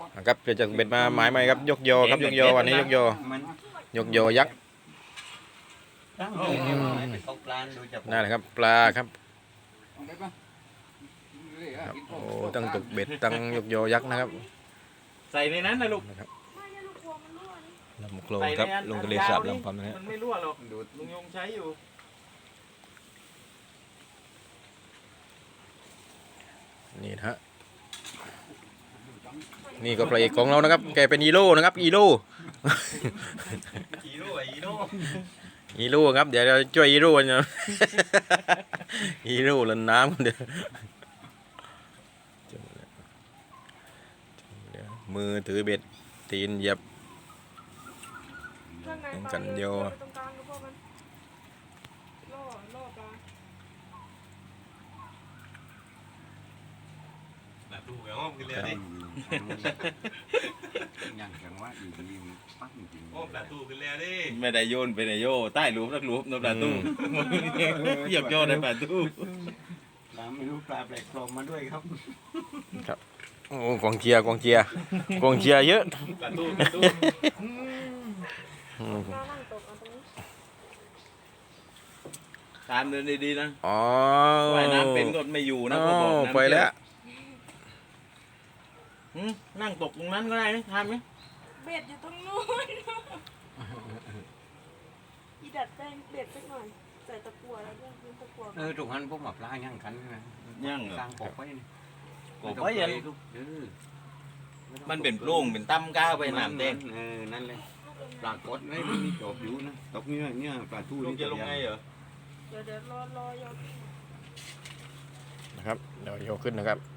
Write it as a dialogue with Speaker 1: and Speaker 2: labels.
Speaker 1: นะครับเดี๋ยวจะเบ็ดมาหมายไหมครับยกโยครับยกโยวันนี้ยกโยยักษ์นั่นแหละครับปลาครับโอ้ตั้งตกเบ็ดตั้งยกโยยักษ์นะครับ
Speaker 2: ใส่ในนั้นนะลูก
Speaker 1: ลำโคลงครับลงทะเลสาบลำพัมนะฮะ
Speaker 2: มันไม่รั่วหรอกลุงยงใช้อยู่
Speaker 1: นี่นะฮะนี่ก็พระเอกของเรานะครับแกเป็นฮีโร่นะครับฮีโร่ฮีโร่ครับเดี๋ยวเราช่วยฮีโร่นะฮีโร่เล่นน้ำเดี๋ยวมือถือเบ็ดตีนเหยียบกันโย
Speaker 2: ดูเหรอกินเลยดิ
Speaker 3: อย่างแข็งว่าอีกทีปั้งจริง
Speaker 2: โอ้ปลาตู้กินเลยดิ
Speaker 4: ไม่ได้โยนไปในโยใต้รูปนักรูปนปลาตู้เหยียบโยนในปลาตู้
Speaker 3: ปลาไม่รู้ปลาแปลกปลอมมาด้วยครับ
Speaker 1: ครับโอ้กองเชียร์เยอะ
Speaker 2: ปลาตู้
Speaker 4: ตามเดินดีๆนะ
Speaker 1: อ๋อ
Speaker 4: ว่ายน้ำเป็นก็ไม่อยู่นะเขาบอก
Speaker 1: ไปแล้ว
Speaker 4: นั่งตกตรงนั้นก็ได้ไหมทำไหม
Speaker 5: เบ็ดอยู่ตรงนู้นอีดัดแป้งเบ็ดสักหน่อยใส่ตะกั่วแล้วด้วยตะกั่ว
Speaker 3: ตรงนั้นพวกหมาปลาย่างกันนะ
Speaker 4: ย่างเหรอก
Speaker 3: ลางกบไว้นี่
Speaker 4: กบไว้ยันมันเป็นโปร่งเป็นตั้มก้าวไปน้ำแดง
Speaker 3: นั่นเลยปลากดไม่มีจบอยู่นะตกเนี่ยปลาทูนี่
Speaker 4: จะลงไงเหรอ
Speaker 5: เดี๋ยวรอยก
Speaker 1: นะครับเดี๋ยวโยกขึ้นนะครับ